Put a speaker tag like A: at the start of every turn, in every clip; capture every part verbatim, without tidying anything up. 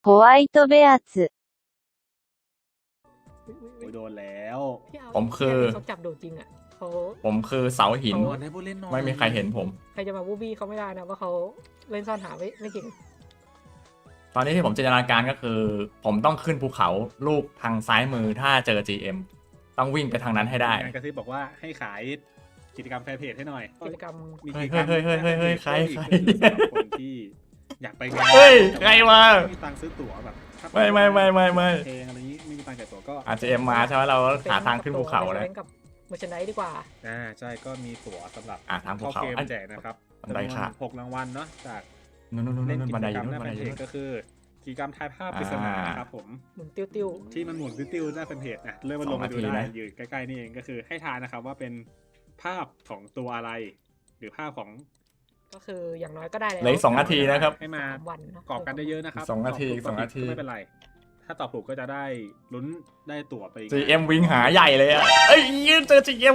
A: ホワイトベアツ
B: โอ้ยโดนแล้ว
C: ผมคือ
D: เขาจับโดดจริงอ่ะเขา
C: ผมคือเสาหิน
B: โดนให้ผู้เล่นหน่อย
C: ไม่มีใครเห็นผม
D: ใครจะมาบูบี้เขาไม่ได้นะว่าเขาเล่นซ่อนหาไม่ไม่เก่ง
C: ตอนนี้ที่ผมจินตนาการก็คือ ผมต้องขึ้นภูเขาลูกทางซ้ายมือถ้าเจอ จี เอ็ม ต้องวิ่งไปทางนั้นให้ได้
B: งานกระซิบบอกว่าให้ขายกิจกรรมแฟนเพจให้หน่อย
D: กิจกรรม
B: มี
C: เฮ้
B: กิ
C: ย
B: จกรรม
C: เฮ้ยเฮ้ยเฮ้ยเฮ้ยใครใคร
B: สำหรับคนที่อยากไปงาน
C: เฮ้ยใครวะ
B: ไม่มีตังค์ซื้อตั๋วแบบถ้า
C: ไม่ไม่ไม่ไม่ไม่
B: เพลงอะไรนี้ไม่มีตังค์จ่ายตั๋วก็
C: อาจจะเอ็มมาใช่ไหมเราหาทางขึ้นภูเขาเลย
D: เล่นกับเมอร์ชไนดีกว่า
B: อ่าใช่ก็มีตั๋วสำหรับ
C: อ่ะทางภู
B: เข้า
C: เขา
B: เกม
C: อัน
B: แจกนะครับ
C: บันไดขาด
B: หกรางวัลเนาะจาก
C: นู่นนู่นนู่น
B: เล่น
C: นู่น
B: กิ
C: บัน
B: จ
C: ได
B: ก
C: อ
B: รร
C: ยู่
B: มห
C: นู่น
B: น้า
C: บัน
B: แฟ
C: ไดอน ยู่นู่น
B: เพจก็คือกิจกรรมทายภาพปริศนา
C: อ่า
B: ครับผม
D: หมุนติ้วติ้ว
B: ที่มันหมุนติ้วๆหน้าแฟนเพจนะเริ่มมาลงมาดู
C: สองนาที
B: ได้
C: นะ
B: อยู่ใกล้ๆนี่เองก็คือให้ทายนะครับว่าเป็นภาพของตัวอะไร หรือภาพของ
D: ก็คืออย่างน้อยก็ได้แล้ว
C: เหลืออีกสองนาทีนะครับ
B: ให้มา
D: สามวันเนอะ
B: กรอบกันเยอะๆนะครับ
C: สองนาที
B: ตบถูก
C: สองนาที
B: ก็ไม่เป็นไร ถ้าตอบถูกก็จะได้ลุ้นได้ตั๋วไป
C: จี เอ็ม วิ่งหาใหญ่เลยอ่ะเอ้ยยืนเจอ จี เอ็ม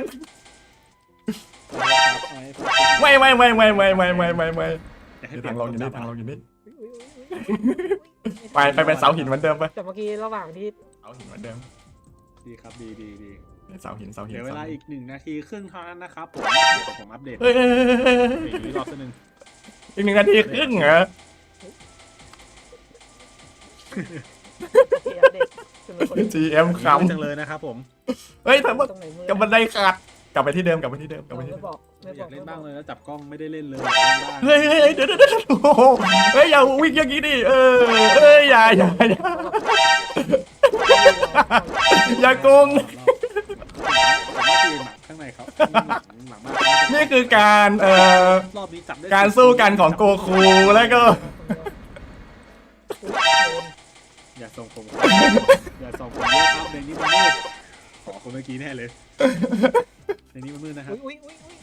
C: ไม่ไม่ไม่ไม่ไม่ไม่ไม่ไม่ไม่นี่ทางลงอยู่นี่ทางลงอยู่นี่
D: อุ๊ยอุ๊ยอุ๊ย
C: ไปไปเป็นเสาหินเหมือนเดิมไป
D: แต่เมื่อกี้ระหว่างที่
C: เสาหินเหมือนเดิม
B: ดีครับดีดีดี
C: เสาหินเสาหิน
B: เดี๋ยวเวลา
C: สหิน
B: อีกหนึ่งนาทีครึ่งเท่านั้นนะครับผมเดี๋ยวผมอัปเดต
C: เฮ้ยเฮ้ยเฮ้ยเฮ้ยเฮ้ย
B: อีกรอบสักหนึ่ง
C: อีกหนึ่งนาทีครึ่งเหรอ
D: โอเคอัปเดตจนเป็นคน
C: จี เอ็ม ข
B: จังเลยนะครับผม
C: ำเฮ้ยทำไม
D: ตรงไหนมื
C: กับบันไดขาดกลับไปที่เดิมกลับไปที่เดิมกลับไปที่
D: ไม่
C: เดิม
D: บอกไม่
B: อบ
D: อย
B: าก กเล่นบ้าง
D: ไม่
B: เลยแล้วจับกล้องไม่ได้เล่นเลย
C: เฮ้ยเฮ้ยเฮ้ยเดี๋ยวเดี๋ยวเดี๋ยวโอ้โหเฮ้ยอย่าวิ่งอย่างนี้ดิเออเฮ้ยอย่าอย่าอย่าอย่าโกง
B: ผมว่าทีมอะข้างในเขาหลังหลังมาก
C: นี่คือการเอ่อ
B: รอบนี้จับได้
C: การสู้กันของโกคูแล้วก็
B: อย่าส่งผมอย่าส่งผมเยอะครับในนี้มันมืดขอคนเมื่อกี้แน่เลยในนี้มันมืดนะครับ
D: อุ้ยอุ้ยอุ้ย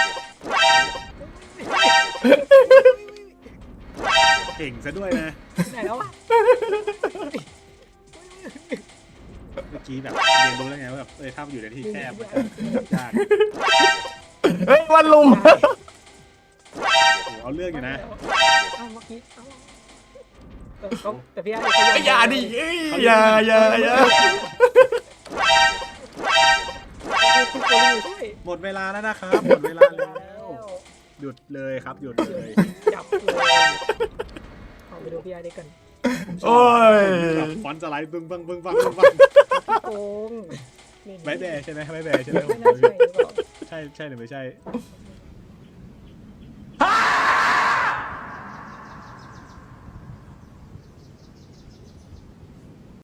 B: เก่งซะด้วยนะ
D: ไหนแล้ววะ
B: เมื่อกี้แบบเรียนรู้แล้วไงว่าแบบเออถ้ามันอยู่ในที่แคบมันจะยาก
C: เฮ้ยวันลุม
B: โอ้โหเอาเรื่องอยู่นะ
D: เอาเมื่อกี้เอาเออเขาแต่พี่อาร์ตเขา
C: อย่าดิเอ้ยอย่าอย่าอย่า
D: คุณโกลูช่วย
B: หมดเวลาแล้วนะครับหมดเวลาแล้วหยุดเลยครับหยุดเลย
D: จับเลยเอาไปดูพี่อาร์ตกัน
C: โอ้ย
B: แบบฟอนต์สไลด์บึ้งบังบึ้งบังบึ้งบัง
D: โกง
B: ใบแบร์ใช่ไหมใบแบร์ใช่ไหม
D: ไม่น่าใช่หรือเปล่า
B: ใช่ใช่หรือไม่ใช่
D: ไ